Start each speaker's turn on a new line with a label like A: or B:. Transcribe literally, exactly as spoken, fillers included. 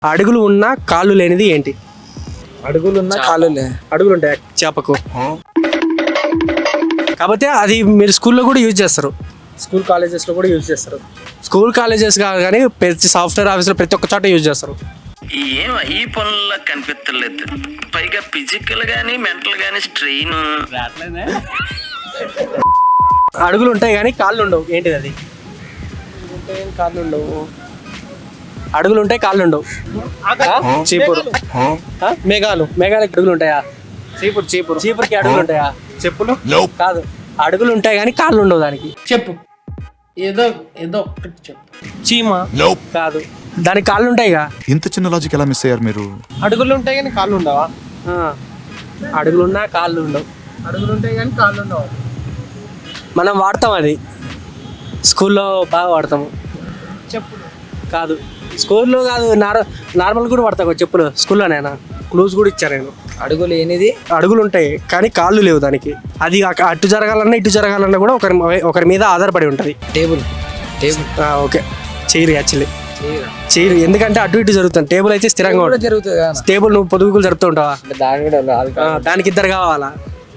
A: అడుగులు ఉన్న కాళ్ళు లేనిది ఏంటి?
B: అడుగులు ఉన్న కాళ్ళు లే
A: అడుగులు ఉంటాయి చేపకు, కాకపోతే అది మీరు స్కూల్లో కూడా యూజ్ చేస్తారు, స్కూల్ కాలేజెస్లో కూడా యూజ్ చేస్తారు. స్కూల్ కాలేజెస్ కాదు కానీ ప్రతి సాఫ్ట్వేర్ ఆఫీస్లో ప్రతి ఒక్క చోట యూజ్ చేస్తారు.
C: ఏం ఈ పనుల్లో కనిపించలేదు, పైగా ఫిజికల్ గానీ మెంటల్ గానీ స్ట్రెయిన్.
A: అడుగులు ఉంటాయి కానీ కాళ్ళు ఉండవు, ఏంటిది అది? కాళ్ళు ఉండవు, అడుగులు ఉంటాయి కాళ్ళు ఉండవు. చీపురు. మేఘాలు, మేఘాలకి అడుగులు ఉంటాయా?
B: చీపురు చీపురు
A: చీపురుకి అడుగులు ఉంటాయా?
B: చెప్పులు
A: కాదు, అడుగులు ఉంటాయి కానీ కాళ్ళు ఉండవు దానికి.
D: చెప్పు, ఏదో ఏదో ఒక్కటి చెప్పు.
A: చీమ కాదు, దానికి కాళ్ళు ఉంటాయిగా.
E: ఇంత చిన్న లాజిక్ ఎలా మిస్ అయ్యారు మీరు?
B: అడుగులు ఉంటాయి కానీ కాళ్ళు ఉండవా?
A: అడుగులు ఉన్నా కాళ్ళు ఉండవు.
B: అడుగులు ఉంటాయి కానీ కాళ్ళు ఉండవు.
A: మనం వాడతాం, అది స్కూల్లో బాగా వాడతాము.
B: చెప్పులు
A: కాదు, స్కూల్లో కాదు, నార్ నార్మల్ కూడా వాడతాను చెప్పులు. స్కూల్లోనైనా క్లూజ్ కూడా ఇచ్చాను నేను.
B: అడుగు లేనిది
A: అడుగులు ఉంటాయి కానీ కాళ్ళు లేవు దానికి. అది అక- అటు జరగాలన్నా ఇటు జరగాలన్నా కూడా ఒకరి ఒకరి మీద ఆధారపడి ఉంటుంది.
B: Table table
A: okay, chair actually chair, ఎందుకంటే అటు ఇటు జరుగుతుంది. టేబుల్ అయితే స్థిరంగా
B: కూడా
A: ఉంటుంది.
B: జరుగుతుంది కదా.
A: టేబుల్ నువ్వు పొదుగులు జరుపుతూ ఉంటావా?
B: దాని కూడా
A: ఆ, దానికి ఇద్దరు కావాలా?